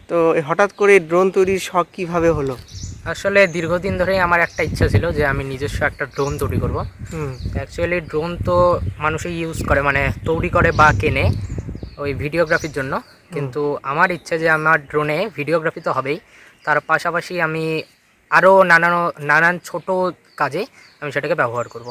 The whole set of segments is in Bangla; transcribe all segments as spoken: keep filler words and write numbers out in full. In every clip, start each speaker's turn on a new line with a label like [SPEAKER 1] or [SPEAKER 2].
[SPEAKER 1] তো হঠাৎ করে ড্রোন তৈরির শখ কিভাবে হলো?
[SPEAKER 2] আসলে দীর্ঘদিন ধরেই আমার একটা ইচ্ছা ছিল যে আমি নিজস্ব একটা ড্রোন তৈরি করব।
[SPEAKER 1] হুম।
[SPEAKER 2] অ্যাকচুয়ালি ড্রোন তো মানুষই ইউজ করে, মানে তৈরি করে বা কেনে ওই ভিডিওগ্রাফির জন্য। কিন্তু আমার ইচ্ছে যে আমার ড্রোনে ভিডিওগ্রাফি তো হবেই, তার পাশাপাশি আমি আরও নানান নানান ছোট কাজে আমি সেটাকে ব্যবহার করব।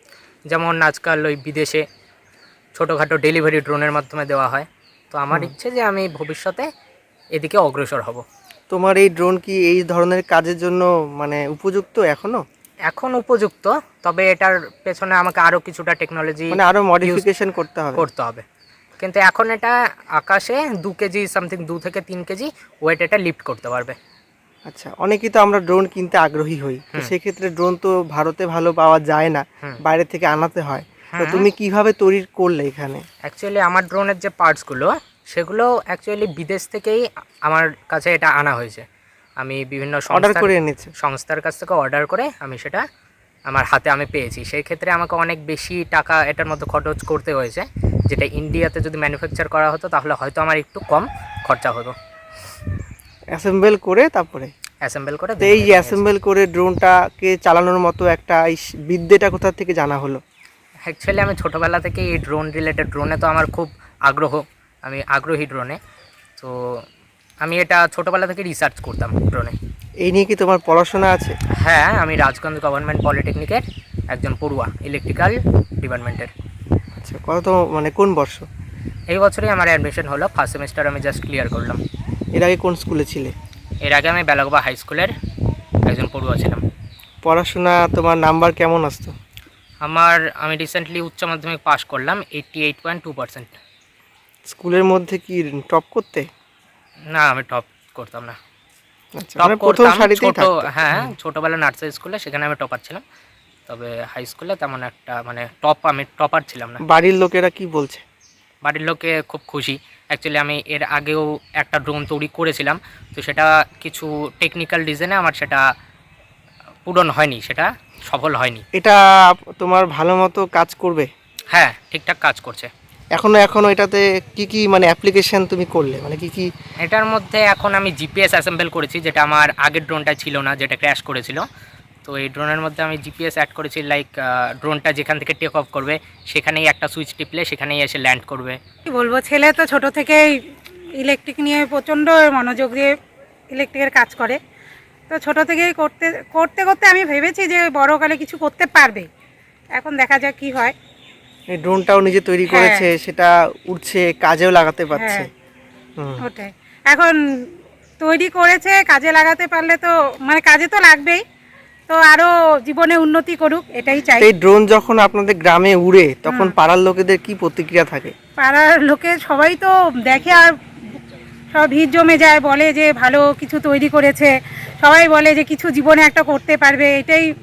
[SPEAKER 2] যেমন আজকাল ওই বিদেশে ছোটোখাটো ডেলিভারি ড্রোনের মাধ্যমে দেওয়া হয়। তো আমার
[SPEAKER 1] হুম।
[SPEAKER 2] ইচ্ছে যে আমি ভবিষ্যতে এদিকে অগ্রসর হব।
[SPEAKER 1] তোমার এই ড্রোন কি এই ধরনের কাজের জন্য মানে উপযুক্ত এখনো?
[SPEAKER 2] এখন উপযুক্ত, তবে এটার পেছনে আমাকে আরও কিছুটা টেকনোলজি
[SPEAKER 1] মানে আরো
[SPEAKER 2] ইউজ
[SPEAKER 1] মডিফিকেশন করতে হবে?
[SPEAKER 2] করতে হবে। কিন্তু এখন এটা আকাশে দু কেজি সামথিং, দু থেকে তিন কেজি ওয়েট এটা লিফট করতে পারবে।
[SPEAKER 1] আচ্ছা, অনেকেই তো আমরা ড্রোন কিনতে আগ্রহী হই, তো
[SPEAKER 2] হুম
[SPEAKER 1] সেক্ষেত্রে ড্রোন তো ভারতে ভালো পাওয়া যায় না,
[SPEAKER 2] হুম
[SPEAKER 1] বাইরে থেকে আনাতে হয়। তো
[SPEAKER 2] হুম
[SPEAKER 1] তুমি কিভাবে তৈরি করলে এখানে?
[SPEAKER 2] অ্যাকচুয়ালি আমার ড্রোনের যে পার্টসগুলো সেগুলো অ্যাকচুয়ালি বিদেশ থেকেই আমার কাছে এটা আনা হয়েছে। আমি বিভিন্ন
[SPEAKER 1] অর্ডার
[SPEAKER 2] সংস্থার
[SPEAKER 1] করে এনেছো?
[SPEAKER 2] সংস্থার কাছ থেকে অর্ডার করে আমি সেটা আমার হাতে আমি পেয়েছি। সেই ক্ষেত্রে আমাকে অনেক বেশি টাকা এটার মধ্যে খরচ করতে হয়েছে, যেটা ইন্ডিয়াতে যদি ম্যানুফ্যাকচার করা হতো তাহলে হয়তো আমার একটু কম খরচা হতো।
[SPEAKER 1] অ্যাসেম্বল করে তারপরে?
[SPEAKER 2] অ্যাসেম্বল করে
[SPEAKER 1] তো এই যে অ্যাসেম্বল করে ড্রোনটাকে চালানোর মতো একটা এই বিদ্যেটা কোথা থেকে জানা হলো?
[SPEAKER 2] অ্যাকচুয়ালি আমি ছোটোবেলা থেকে এই ড্রোন রিলেটেড, ড্রোনে তো আমার খুব আগ্রহ, আমি আগ্রহী ড্রোনে। তো আমি এটা ছোটোবেলা থেকে রিসার্চ করতাম ড্রোনে।
[SPEAKER 1] এই নিয়ে কি তোমার পড়াশোনা আছে?
[SPEAKER 2] হ্যাঁ, আমি রাজগঞ্জ গভর্নমেন্ট পলিটেকনিকের একজন পড়ুয়া, ইলেকট্রিক্যাল ডিপার্টমেন্টের।
[SPEAKER 1] আচ্ছা, কত মানে কোন বর্ষ?
[SPEAKER 2] এই বছরই আমার অ্যাডমিশন হলো, ফার্স্ট সেমিস্টার আমি জাস্ট ক্লিয়ার করলাম।
[SPEAKER 1] এর আগে কোন স্কুলে ছিলে?
[SPEAKER 2] এর আগে আমি বেলাগোবা হাই স্কুলের একজন পড়ুয়া ছিলাম।
[SPEAKER 1] পড়াশোনা তোমার নাম্বার কেমন আসতো?
[SPEAKER 2] আমার আমি রিসেন্টলি উচ্চ মাধ্যমিক পাস করলাম eighty eight point two percent.
[SPEAKER 1] স্কুলের মধ্যে কি টপ করতে?
[SPEAKER 2] না, আমি টপ করতাম না।
[SPEAKER 1] আচ্ছা,
[SPEAKER 2] টপ
[SPEAKER 1] মানে প্রথম
[SPEAKER 2] করতাম
[SPEAKER 1] সারিতেই
[SPEAKER 2] ছোট,
[SPEAKER 1] থাকতো?
[SPEAKER 2] হ্যাঁ ছোটোবেলা নার্সারি স্কুলে, সেখানে আমি টপার ছিলাম। তবে হাই স্কুলে তেমন একটা মানে টপ আমি টপার ছিলাম না।
[SPEAKER 1] বাড়ির লোকেরা কি বলছে?
[SPEAKER 2] বাড়ির লোকে খুব খুশি। অ্যাকচুয়ালি আমি এর আগেও একটা ড্রোন তৈরি করেছিলাম, তো সেটা কিছু টেকনিক্যাল রিজনে আমার সেটা পূরণ হয়নি, সেটা সফল হয়নি।
[SPEAKER 1] এটা তোমার ভালো মতো কাজ করবে?
[SPEAKER 2] হ্যাঁ, ঠিকঠাক কাজ করছে।
[SPEAKER 1] এখনো এখনো এটাতে কি কি মানে অ্যাপ্লিকেশন তুমি করলে, মানে কি কি?
[SPEAKER 2] এটার মধ্যে এখন আমি জিপিএস অ্যাসেম্বল করেছি, যেটা আমার আগের ড্রোনটা ছিল না, যেটা ক্র্যাশ করেছিল। তো এই ড্রোনের মধ্যে আমি জিপিএস অ্যাড করেছি, লাইক ড্রোনটা যেখান থেকে টেক অফ করবে সেখানেই একটা সুইচ টিপলে সেখানেই এসে ল্যান্ড করবে।
[SPEAKER 3] কি বলবো, ছেলে তো ছোট থেকেই ইলেকট্রিক নিয়ে প্রচণ্ড মনোযোগ দিয়ে ইলেকট্রিকের কাজ করে। তো ছোট থেকেই করতে করতে করতে আমি ভেবেছি যে বড়কালে কিছু করতে পারবে। এখন দেখা যাক কি হয়।
[SPEAKER 1] এই ড্রোনটাও নিজে তৈরি
[SPEAKER 3] হ্যাঁ।
[SPEAKER 1] করেছে, সেটা উড়ছে, কাজেও লাগাতে পারছে।
[SPEAKER 3] হ্যাঁ,
[SPEAKER 1] হুম।
[SPEAKER 3] ওটাই। এখন তৈরি করেছে, কাজে লাগাতে পারলে তো মানে কাজে তো লাগবেই। তো আরও জীবনে উন্নতি করুক, এটাই চাই।
[SPEAKER 1] এই ড্রোন যখন আপনাদের গ্রামে উড়ে তখন
[SPEAKER 3] হুম।
[SPEAKER 1] পাড়ার লোকেদের কি প্রতিক্রিয়া থাকে?
[SPEAKER 3] পাড়ার লোকে সবাই তো দেখে আর সব ভিড় জমে যায়, বলে যে ভালো কিছু তৈরি করেছে। সবাই বলে যে কিছু জীবনে একটা করতে পারবে, এটাই